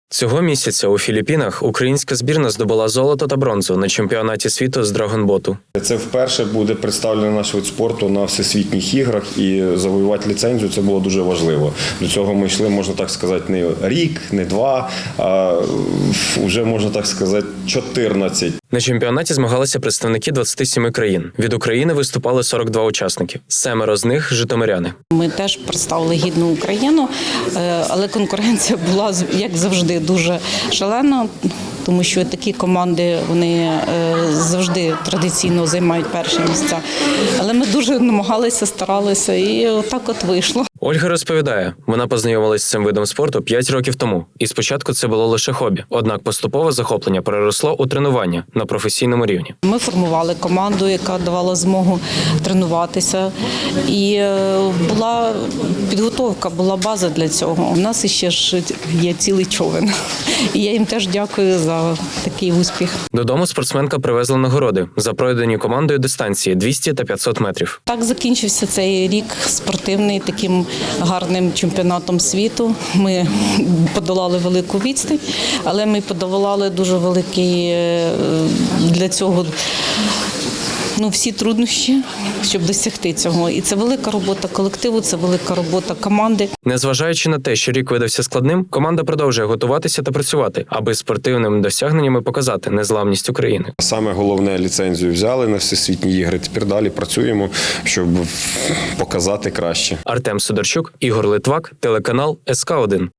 Цього місяця у Філіппінах українська збірна здобула золото та бронзу на чемпіонаті світу з драгонботу. Це вперше буде представлений наш вид спорту на всесвітніх іграх, і завоювати ліцензію – це було дуже важливо. До цього ми йшли, можна так сказати, не рік, не два, а вже, можна так сказати, 14. На чемпіонаті змагалися представники 27 країн. Від України виступали 42 учасники. 7 з них – житомиряни. Ми теж представили гідну Україну, але конкуренція була, як завжди, дуже шалена, тому що такі команди, вони завжди традиційно займають перші місця. Але ми дуже намагалися, старалися, і отак от вийшло. Ольга розповідає, вона познайомилась з цим видом спорту 5 років тому. І спочатку це було лише хобі. Однак поступове захоплення переросло у тренування на професійному рівні. Ми формували команду, яка давала змогу тренуватися. І була підготовка, була база для цього. У нас іще ж є цілий човен. І я їм теж дякую за такий успіх. Додому спортсменка привезла нагороди за пройдені командою дистанції 200 та 500 метрів. Так закінчився цей рік спортивний таким гарним чемпіонатом світу. Ми подолали велику відстань, але ми подолали дуже великий для цього всі труднощі, щоб досягти цього. І це велика робота колективу, це велика робота команди. Незважаючи на те, що рік видався складним, команда продовжує готуватися та працювати, аби спортивними досягненнями показати незламність України. Саме головне, ліцензію взяли на всесвітні ігри, тепер далі працюємо, щоб показати краще. Артем Сидорчук, Ігор Литвак, телеканал СК1.